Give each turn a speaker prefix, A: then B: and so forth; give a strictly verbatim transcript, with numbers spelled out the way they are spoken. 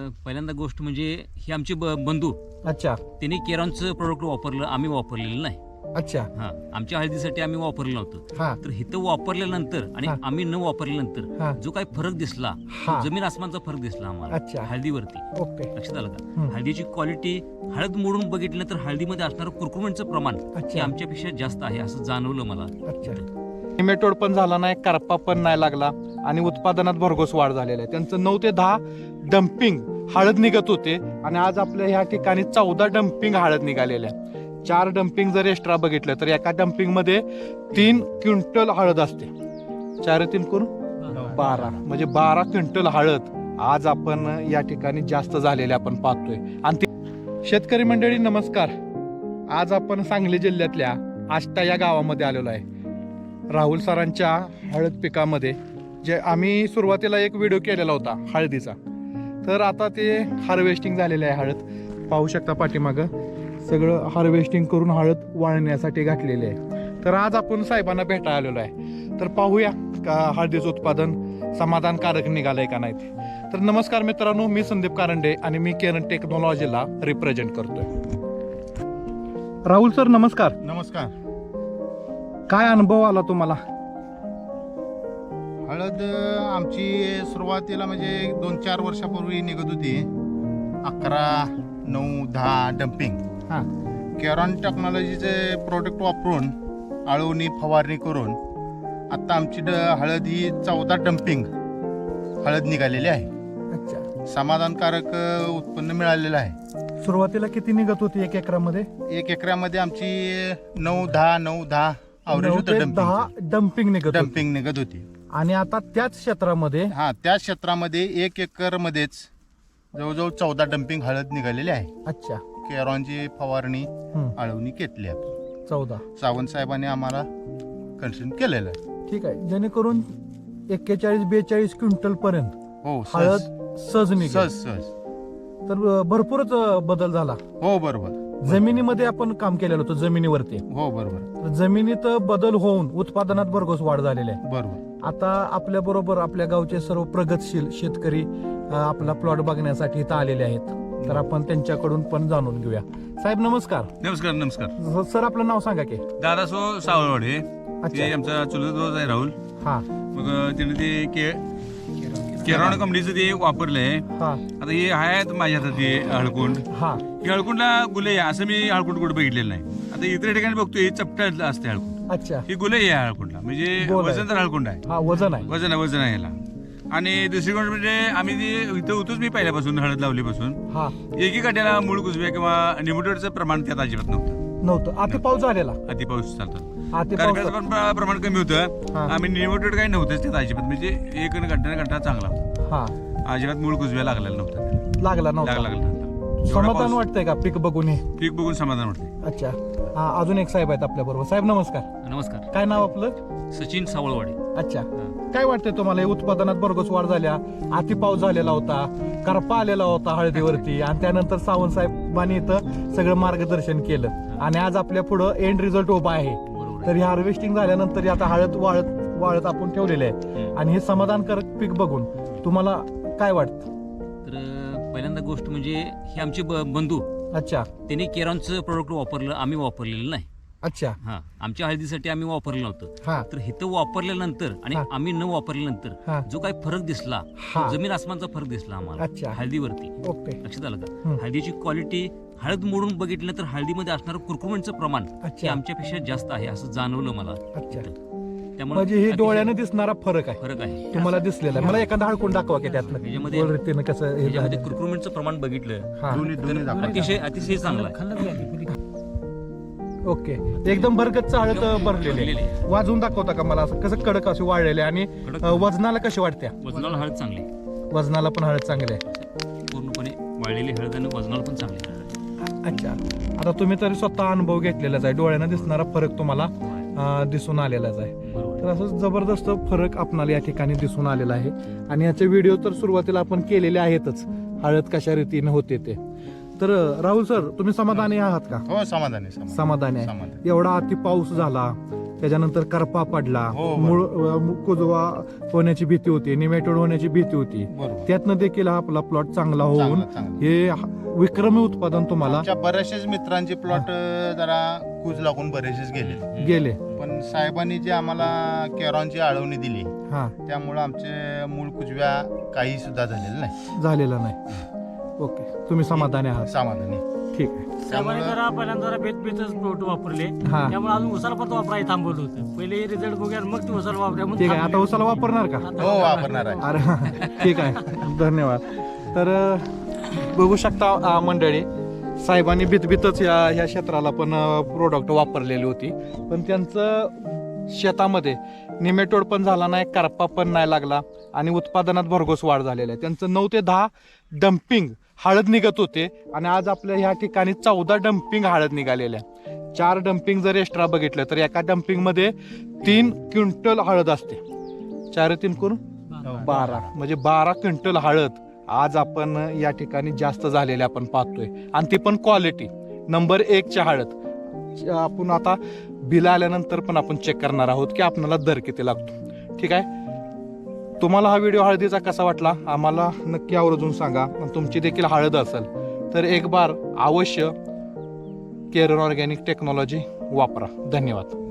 A: पहिल्यांदा गोष्ट म्हणजे ही आमचे ब- बंधू
B: अच्छा
A: त्यांनी केरॉनचं प्रोडक्ट वापरलं, आम्ही वापरलेलं नाही.
B: अच्छा
A: हा आमच्या हळदीसाठी आम्ही वापरलं नव्हतं.
B: हा
A: तर इथं वापरल्यानंतर आणि
B: हा.
A: आम्ही न वापरल्यानंतर
B: हा
A: जो काही फरक दिसला,
B: हा
A: जमीन आसमानचा फरक दिसला आम्हाला
B: अच्छा
A: हळदीवरती.
B: ओके
A: लक्षात आलं का?
B: हम्म.
A: हळदीची क्वालिटी, हळद मोडून बघितलं तर हळदीमध्ये असणारं कुरकुरमेंटचं प्रमाण हे
B: अच्छा
A: आमच्यापेक्षा जास्त आहे असं जाणवलं मला.
B: अच्छा निमेटोड पण झाला नाही, करपा पण नाही लागला आणि उत्पादनात भरघोस वाढ झालेला आहे. त्यांचं नऊ ते दहा डम्पिंग हळद निघत होते आणि आज आपल्या ह्या ठिकाणी चौदा डम्पिंग हळद निघालेल्या आहे. चार डम्पिंग जर एक्स्ट्रा बघितलं तर एका डम्पिंग मध्ये तीन क्विंटल हळद असते. चार तीन करून बारा म्हणजे बारा क्विंटल हळद आज आपण या ठिकाणी जास्त झालेले आपण पाहतोय. आणि ती- शेतकरी मंडळी नमस्कार. आज आपण सांगली जिल्ह्यातल्या आष्टा या गावामध्ये आलेलो आहे. राहुल सरांच्या हळद पिकामध्ये जे आम्ही सुरुवातीला एक व्हिडिओ केलेला होता हळदीचा, तर आता ते हार्वेस्टिंग झालेलं आहे. हळद पाहू शकता पाठीमागं सगळं हार्वेस्टिंग करून हळद वाळण्यासाठी घातलेली आहे. तर आज आपण साहेबांना भेटायला आलेलो आहे. तर पाहूया का हळदीचं उत्पादन समाधानकारक निघालंय का नाही ते. तर नमस्कार मित्रांनो, मी संदीप कारंडे आणि मी केरन टेक्नॉलॉजीला रिप्रेझेंट करतोय. राहुल सर नमस्कार.
C: नमस्कार.
B: काय अनुभव आला तुम्हाला?
C: हळद आमची सुरुवातीला म्हणजे दोन चार वर्षापूर्वी निघत होती अकरा नऊ दहा डम्पिंग.
B: हा
C: केरॉन टेक्नॉलॉजीचे प्रोडक्ट वापरून आळवणी फवारणी करून आता आमची ड हळद ही चौदा डम्पिंग हळद निघालेली आहे.
B: अच्छा
C: समाधानकारक उत्पन्न मिळालेलं आहे.
B: सुरुवातीला किती निघत होती एक एकरामध्ये?
C: एक एकरामध्ये आमची नऊ दहा नऊ दहा
B: नऊ ते
C: अवरेज
B: दहा डम्पिंग निघत होती.
C: डम्पिंग निघत होती.
B: आणि आता त्याच क्षेत्रामध्ये
C: हा त्याच क्षेत्रामध्ये एक एकर मध्येच जवळजवळ चौदा डम्पिंग हळद निघालेली आहे.
B: अच्छा
C: केरॉनची फवारणी
B: हम्म,
C: आळवणी घेतली आपण.
B: चौदा
C: सावंत साहेबांनी आम्हाला कन्सल्ट केलेलं आहे.
B: ठीक आहे. जेणेकरून एक्केचाळीस बेचाळीस क्विंटल पर्यंत
C: हो
B: हळद
C: सहज
B: सहज निघेल.
C: सहज सहज
B: तर अ, भरपूरच अ, बदल झाला.
C: हो बरोबर.
B: जमिनीमध्ये आपण काम केलेलं होतं जमिनीवरती.
C: हो बरोबर
B: तर जमिनीत बदल होऊन उत्पादनात भरघोस वाढ झालेली आहे.
C: बरोबर.
B: आता आपल्या बरोबर आपल्या गावचे सर्व प्रगतशील शेतकरी अ, आपला प्लॉट बघण्यासाठी इथं आलेले आहेत. तर आपण त्यांच्याकडून पण जाणून घेऊया. साहेब नमस्कार.
D: नमस्कार नमस्कार.
B: सर आपलं नाव सांगा की.
D: दादासो सावळवाडे,
B: अच्छा
D: ते आमचा चुलत रोज आहे राहुल.
B: हा
D: मग त्याने ते के केरॉन कंपनीचं ते वापरलंय.
B: हा
D: आता हे आहेत माझ्या हातात ते हळकुंड.
B: हा
D: ही हळकुंडला गुले आहे असं मी हळकुंड कुठं बघितलेलं नाही. आता इतर ठिकाणी बघतो हे चपटा असते हळकुंड.
B: अच्छा
D: ही गुले आहे हळकुंडला, म्हणजे
B: गोल आहे.
D: वजनदार हळकुंड आहे.
B: हा वजन आहे.
D: वजन आहे वजन आहे याला. आणि दुसरी गोष्ट म्हणजे आम्ही ते इथं होतोच मी पहिल्यापासून हळद लावलीपासून.
B: हा
D: एकी काट्याला मूळ कुजव्या किंवा निमोटोडचं प्रमाण त्यात अजिबात नव्हतं.
B: नव्हतं. अति पाऊस झालेला.
D: अति पाऊस चालतो.
B: अति
D: कारखान्याचं
B: पाऊस
D: पण प्र- प्रमाण कमी होतं.
B: हा.
D: आम्ही निमोटेड काही नव्हतंच त्यात अजिबात, म्हणजे एक गड्डा गड्डा चांगला होता.
B: हा
D: अजिबात मूळ कुजव्या लागलेला नव्हता.
B: लागला
D: लागला
B: नव्हता.
D: लागला नव्हता. एवढा
B: समाधान
D: पाऊस-
B: वाटतंय का पीक बघून हे?
D: पीक बघून समाधान वाटते.
B: अच्छा. हा अजून एक साहेब आहेत आपल्या बरोबर. साहेब नमस्कार.
A: नमस्कार.
B: काय नाव आपलं?
A: सचिन सावळवाडे.
B: अच्छा. काय वाटतंय तुम्हाला? हे उत्पादनात भरघोस वाढ झाल्या, अति पाऊस झालेला होता, करपा आलेला होता हळदीवरती, आणि त्यानंतर सावंत साहेबांनी इथं सगळं मार्गदर्शन केलं आणि आज आपल्या पुढं एंड रिझल्ट उभा आहे.
A: बरोबर
B: तर ही हार्वेस्टिंग झाल्यानंतर ही आता हळद वाळत वाळत आपण ठेवलेले आहे
A: आहे.
B: आणि हे समाधानकारक पीक बघून तुम्हाला काय वाटतं?
A: तर अ, पहिल्यांदा गोष्ट म्हणजे ही आमचे ब- बंधू
B: अच्छा
A: त्यांनी केरॉनचं प्रोडक्ट वापरलं, आम्ही वापरलेलं नाही.
B: अच्छा
A: हा आमच्या हळदीसाठी आम्ही वापरलं नव्हतं.
B: हा
A: तर इथं वापरल्यानंतर आणि
B: हा.
A: आम्ही न वापरल्यानंतर
B: हा
A: जो काही फरक दिसला,
B: हा
A: जमीन आसमानचा फरक दिसला आम्हाला
B: अच्छा
A: हळदीवरती.
B: ओके
A: लक्षात आलं का?
B: हम्म.
A: हळदीची क्वालिटी, हळद मोडून बघितलं तर हळदीमध्ये असणारं कुरकुरमेंटचं प्रमाण हे
B: अच्छा
A: आमच्यापेक्षा जास्त आहे असं जाणवलं मला.
B: अच्छा.
A: त्यामुळे
B: म्हणजे हे
A: अतिशय
B: डोळ्याने दिसणारा फरक आहे
A: फरक आहे.
B: तुम्हाला दिसलेला आहे. मला एखादा हळकून दाखवा की त्यातनं
A: ह्याच्यामध्ये-
B: गोल रीतीनं कसं हे
A: ह्याच्यामध्ये
B: झालं.
A: कुरकुरमेंटचं प्रमाण बघितलं
B: हा
C: दोन्ही दोन्ही दाखवा.
A: अतिशय अतिशय चांगलं आहे.
B: ओके. एकदम भरगच्च हळद भरलेली
A: भरलेली
B: आहे. वाजवून दाखवता का मला? असं कसं कडक असे वाळलेले आणि
A: कडक.
B: अ, वजनाला कशी वाटत्या?
A: वजनाला हळद चांगली,
B: वजनाला पण हळद चांगली आहे.
A: पूर्णपणे वाळलेली हळद आणि वजनाला पण चांगली आहे.
B: अच्छा. आता तुम्ही तरी स्वतः अनुभव घेतलेलाच आहे. डोळ्यानं दिसणारा फरक तुम्हाला अ, दिसून आलेलाच आहे.
A: बरोबर.
B: तर असं जबरदस्त फरक आपणाला या ठिकाणी दिसून आलेला आहे. आणि याचे व्हिडिओ तर सुरुवातीला आपण केलेले आहेतच, हळद कशा रीतीने होते ते. तर राहुल सर तुम्ही समाधानी आहात का?
C: हो समाधानी समाधानी
B: समाधानी आहे.
C: समाधानी.
B: एवढा अति पाऊस झाला, त्याच्यानंतर करपा पडला,
C: हो,
B: मूळ अं, कुजवा होण्याची भीती होती, निमेटोड होण्याची भीती होती,
C: बरोबर.
B: त्यातनं देखील हा आपला प्लॉट चांगला होऊन
C: चांगलं- चांगलं.
B: हे विक्रमी उत्पादन तुम्हाला
C: आमच्या बऱ्याचशाच मित्रांचे प्लॉट जरा कूज लागून बरेचसेच गेले,
B: गेले.
C: पण साहेबांनी जे आम्हाला केरॉनची आळवणी दिली
B: हा
C: त्यामुळे आमचे मूळ कुजव्या काही सुद्धा झालेले नाही.
B: झालेला नाही. ओके, तुम्ही समाधानी आहात?
C: समाधानी.
B: ठीक आहे.
E: साहेबांनी जरा पहिल्यांदा जरा बेत बेतच प्रोडक्ट वापरले,
B: हा
E: त्यामुळे अजून उसाला परत वापरायला थांबवलं होतं. पहिले रिझल्ट बघूया मग ते उसाला वापरूया म्हणून
B: ठीक आहे. आता
E: थांबवलं.
B: उसाला वापरणार का?
E: आता
C: हो वापरणार आहे.
B: अरे ठीक आहे, धन्यवाद. तर अं, बघू शकता अं, मंडळी, साहेबांनी भीतभीतच या ह्या क्षेत्राला पण प्रोडक्ट वापरलेली होती, पण त्यांचं शेतामध्ये निमेटोड पण झाला नाही, करपा पण नाही लागला आणि उत्पादनात भरघोस वाढ झालेली आहे. त्यांचं नऊ ते दहा डम्पिंग हळद निघत होते आणि आज आपल्या ह्या ठिकाणी चौदा डम्पिंग हळद निघालेल्या. चार डम्पिंग जर एक्स्ट्रा बघितलं तर एका डम्पिंग मध्ये तीन क्विंटल हळद असते. चार तीन करून बारा, म्हणजे बारा क्विंटल हळद आज आपण या ठिकाणी जास्त झालेले आपण पाहतोय, आणि ती पण क्वालिटी नंबर एकच्या हळद. आपण आता बिल आल्यानंतर पण आपण चेक करणार आहोत की आपल्याला दर किती लागतो. ठीक आहे. तुम्हाला हा व्हिडिओ हळदीचा कसा वाटला आम्हाला नक्की आवर्जून सांगा. आणि तुमची देखील हळद असेल तर एक बार अवश्य केरन ऑर्गॅनिक टेक्नॉलॉजी वापरा. धन्यवाद.